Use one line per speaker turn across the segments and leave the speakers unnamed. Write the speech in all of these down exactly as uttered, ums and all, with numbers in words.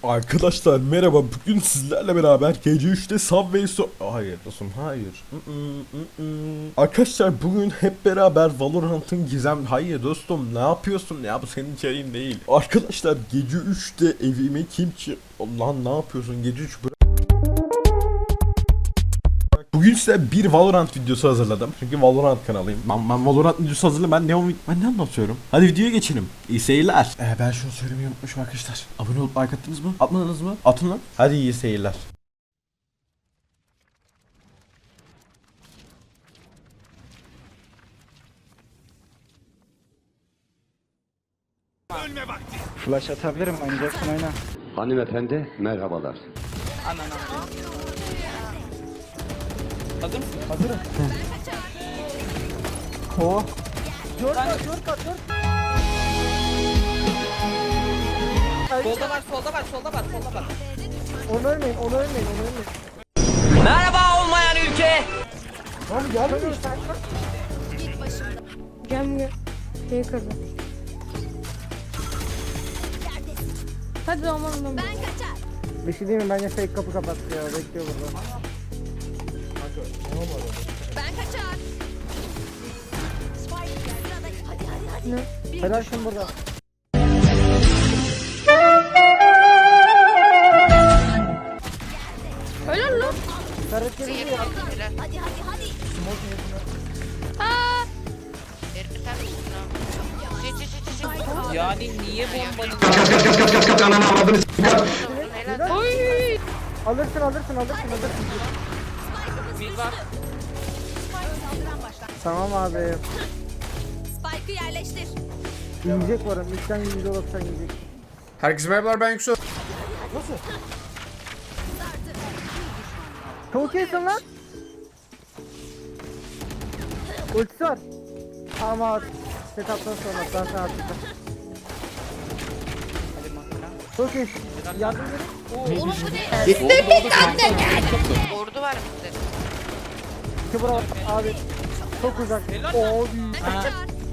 Arkadaşlar merhaba, bugün sizlerle beraber gece üçte Subway so... Hayır dostum, hayır. Mm-mm, mm-mm. Arkadaşlar bugün hep beraber Valorant'ın gizem... Hayır dostum, ne yapıyorsun ya, bu senin içeriğin değil. Arkadaşlar gece üçte evime kim çı... Lan ne yapıyorsun gece üç bırak. Bugün size bir Valorant videosu hazırladım. Çünkü Valorant kanalıyım. Ben, ben Valorant videosu hazırladım. Ben ne, ben ne anlatıyorum? Hadi videoya geçelim. İyi seyirler. Ee, ben şunu söylemeyi unutmuşum arkadaşlar. Abone olup like attınız mı? Atmadınız mı? Atın lan. Hadi iyi seyirler.
Ölme vakti.
Flash atabilirim, oynayacaksın oyna.
Hanımefendi merhabalar.
Anan Hazır mısın?
Hazırım. Oh.
Solda var, solda var, solda var, solda var.
Onu ölmeyin, onu ölmeyin, onu ölmeyin.
Merhaba olmayan ülke.
Abi gelmiyor.
Gelmiyor. Şeyi kırdı. Hadi aman aman. Ben kaçar.
Bir şey diyeyim mi? Bence fake kapı kapattı ya. Bekliyor burada.
Ben kaçar. Hadi hadi hadi. Ne?
Helal şimdi burada.
Helal lan.
Servet geldi ya.
Hadi hadi hadi.
Yani niye bombanın...
Oy.
Alırsın, alırsın, alırsın, alırsın.
Bir var.
Tamam abi.
Spike'ı yerleştir.
Yiyecek varım. Üstten yüzde doksan yiyecek.
Herkese merhabalar, ben Yüksel.
Çok iyisin lan. Ultisi var. Ama setup'tan sonra ben sana atacağım. Çok iyi. Yardım edin.
Oğlum bu ne?
Ordu var bizde.
İki bravo abi. Çok uzak. Oo büyük.
Ha,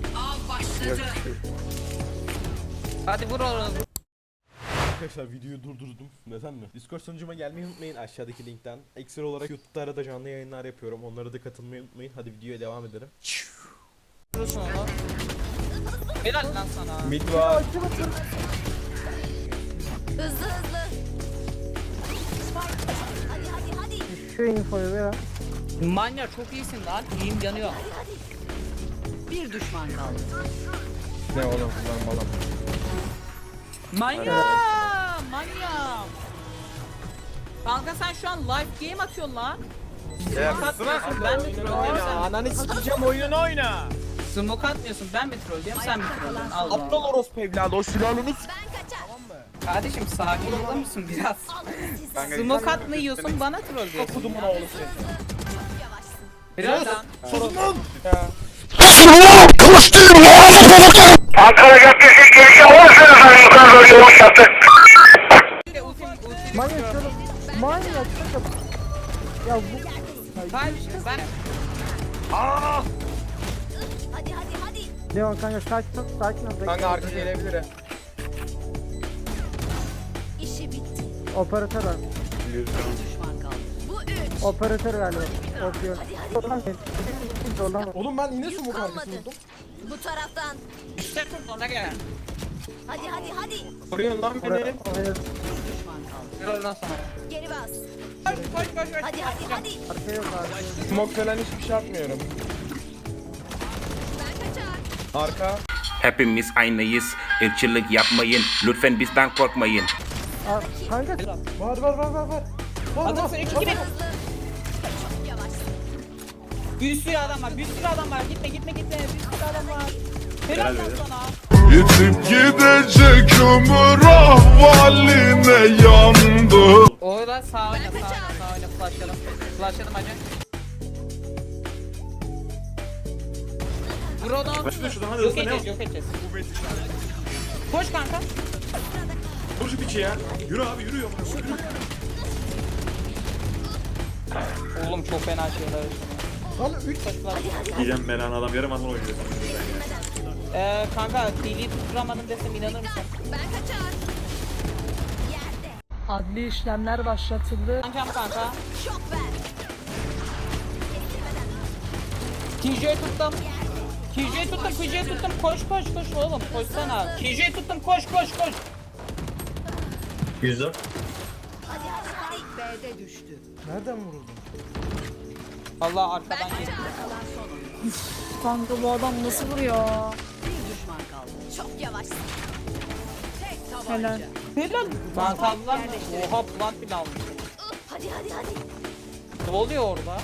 hadi vur onu.
Arkadaşlar videoyu durdurdum. Neden mi? Discord sunucuma gelmeyi unutmayın aşağıdaki linkten. Ekstra olarak YouTube'da arada canlı yayınlar yapıyorum. Onlara da katılmayı unutmayın. Hadi videoya devam edelim.
Vurursun onu. Helal lan sana.
Mid var.
Hızlı hızlı. Spike. Hadi hadi hadi.
Şu infoyu ver.
Manya çok iyisin lan. İyiyim yanıyor.
Bir düşman kaldı.
Ne oğlum lan balam.
Manya! Manya! Kanka sen şu an live game atıyorsun lan. Smoke atmıyorsun, ben mi trollüyorum sen?
Ananı sikeceğim, oyunu oyna.
Smoke atmıyorsun, ben mi trollüyorum sen mi trollüyorsun? Allah Allah.
Aptal orospu evladı, o silahını
Ben kaçar.
Kardeşim sakin olur musun biraz? Smoke atma yiyorsun, bana trollüyorsun.
kudumun oğlu sen.
Biraz lan.
Sorun lan.
Ankara Caddesi girişi olursanız yukarı doğru yol yaptı.
Ultim, ultim
Manyak
istiyorum.
şöyle. Manyak şöyle. Ya bu.
Kardeşim ben...
Hadi hadi hadi.
Devam kanka sakin ol. Sakin ol.
Kanka arka gelebilir he.
İşi bitti.
Operatör var.
Düşman kaldı.
Bu üç.
Operatör galiba. Opsiyon. Zorlama.
Oğlum ben yine
Yük
smoke
kalmadı.
arkası buldum.
Bu taraftan.
İşte ona gel.
Hadi hadi hadi.
Vuruyorsun lan beni.
Oraya. Oraya.
Biraz lan sana.
Geri bas.
Koş koş koş koş.
Hadi hadi hadi.
Arkaya yok abi.
Smoke falan hiçbir şey atmıyorum.
Ben kaçar.
Arka.
Hepimiz aynıyız. Irkçılık yapmayın. Lütfen bizden korkmayın.
Aa, kanka.
Var var var var var.
Adamsın iki gibi.
Hızlı. Çok yavaş.
Bir sürü adam var, bir sürü adam var. Gitme gitme gitme. Bir sürü adam var. Helal lan sana.
Yitip gidecek ömür ahvaline yandı.
Oyla sağ oyna, sağ oyna, sağ oyna. Flashlayalım. Flashlayalım hacı. Vur onu. Yok edeceğiz, yok edeceğiz. Koş kanka.
Vur şu piçi ya. Yürü abi, yürü.
Oğlum çok fena şeyler.
Lan üç.
Diyeceğim ben adam yarım adam oynuyor.
Eee kanka dili tutturamadım desem inanır mısın?
Ben kaçar. Yerde.
Adli işlemler başlatıldı.
Kankam kanka.
Şok ver.
T J'yi tuttum. T J'yi tuttum, T J'yi tuttum. Koş koş koş oğlum, koşsana. T J'yi tuttum, koş koş koş.
Yüzde.
B'de düştü.
Nereden vuruldun?
Allah arkadan geldi.
Kanka bu adam nasıl vuruyor?
Bir düşman kaldı.
Çok yavaş.
Tek tabanca.
Helal.
Helal. Ben kaldılar mı? Oha plant bile almış.
Hadi hadi hadi.
Ne oluyor orada?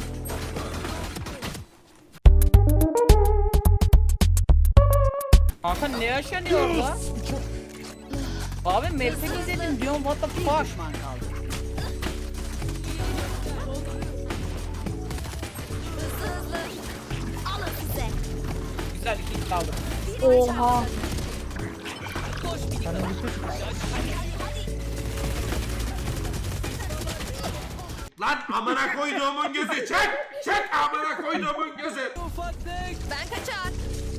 Kanka ne yaşanıyor orada? Abi map'i izledim diyorum, what the
Bir
fuck?
düşman kaldı.
Hızlı hızlı. Alın size.
Güzel iki kill aldım.
Oha.
Lan amına koyduğumun gözü çek! Çek amına koyduğumun gözü!
Ben kaçar.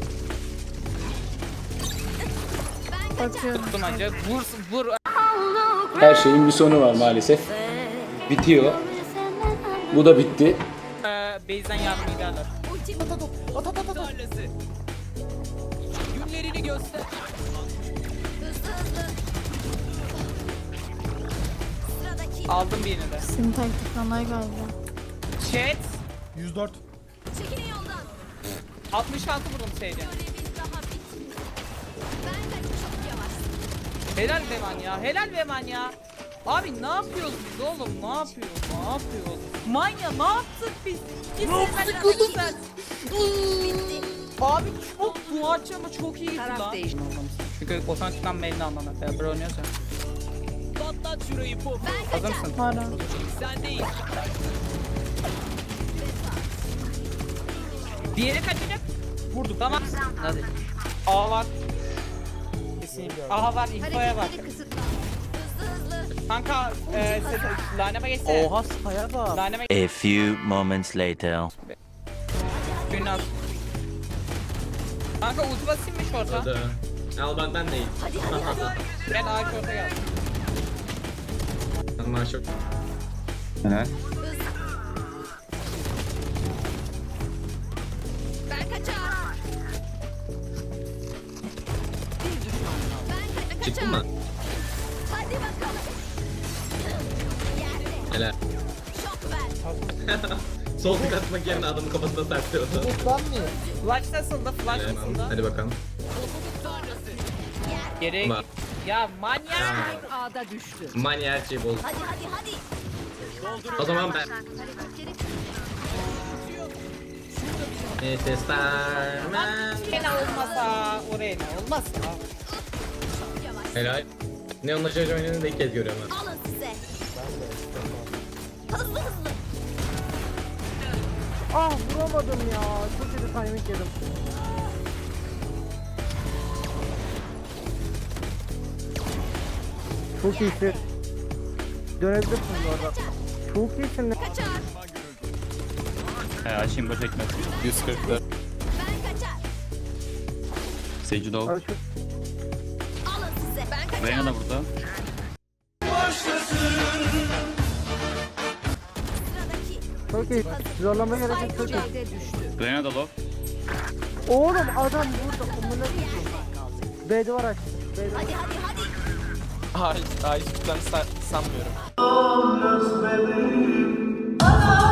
Ben kaçar.
Bakıyorum.
Tuttum anca. Vur vur.
Her şeyin bir sonu var maalesef. Bitiyor. Bu da bitti.
Ee, base'den yardım giderler.
Ultim.
Günlerini göster.
Hızlı hızlı. Sıradaki.
Aldım birini de.
Senin taktiklanay galiba.
Chat.
yüz dört.
Çekilin yoldan.
altmış altı vurdum Sage'e.
Görevin daha bitmedi. Ben de çok yavaş.
Helal be man ya. Helal be man ya. Abi ne yapıyoruz biz oğlum? Ne yapıyoruz? Ne yapıyoruz? Manya ne yaptık biz? Ne yaptık oğlum?
Bitti.
Abi çok bu açı ama çok iyi gitti
Taraf
lan.
değişti.
Çünkü otomatikman mailini anlamı. Beraber oynuyorsa.
Ben
Hazır
kaçar.
mısın?
Para.
Diğeri kaçacak. Vurduk tamam. Hadi. A var. Kesinlikle. A var. İnfoya var.
Hareketleri kısıtla. Hızlı hızlı.
Kanka e, laneme geçsene.
Oha saya bak.
Laneme
A few moments later.
Günah. Kanka ulti basayım mı şorta?
Al bak ben deyim.
Hadi hadi hadi.
Gel A şorta gel.
Maşallah.
Ben kaçar.
Bir düşman kaldı.
Ben ka- kaçar.
Çıktın mı?
Hadi bakalım. Yerde.
Helal.
Şok ver.
Sol tık atmak yerine adamın kafasına serpiyordu.
Flash nasıldı? Flash nasıldı?
Hadi bakalım.
Geriye
Bak.
git. Ya manyak.
A'da düştü.
Manya her şeyi bol.
Hadi hadi hadi.
O zaman ben.
Hareketleri
Neyse starman.
Gene olmasa oraya ne olmazsa.
çok yavaş.
Helal. Neon'la Jojo oyununu da ilk kez görüyorum ben.
Alın size. Hızlı hızlı.
Ah vuramadım ya. Çok kötü timing yedim. Çok iyisin. Dönebilirsin bu arada. Çok iyisin.
Kaçar.
He açayım boş ekmek. yüz kırk dört.
Ben kaçar.
Seyirci Dog.
Al şu-
Alın size. Ben kaçar.
Reyna da burada.
Sıradaki.
Çok iyi. Zorlamaya gerek yok. Çok iyi.
B'de düştü.
Reyna da low.
Oğlum adam burada. Amına koyayım. B duvar açtı. B duvar.
Hadi hadi hadi.
Hayır, hayır, ben sanmıyorum.
Hızlı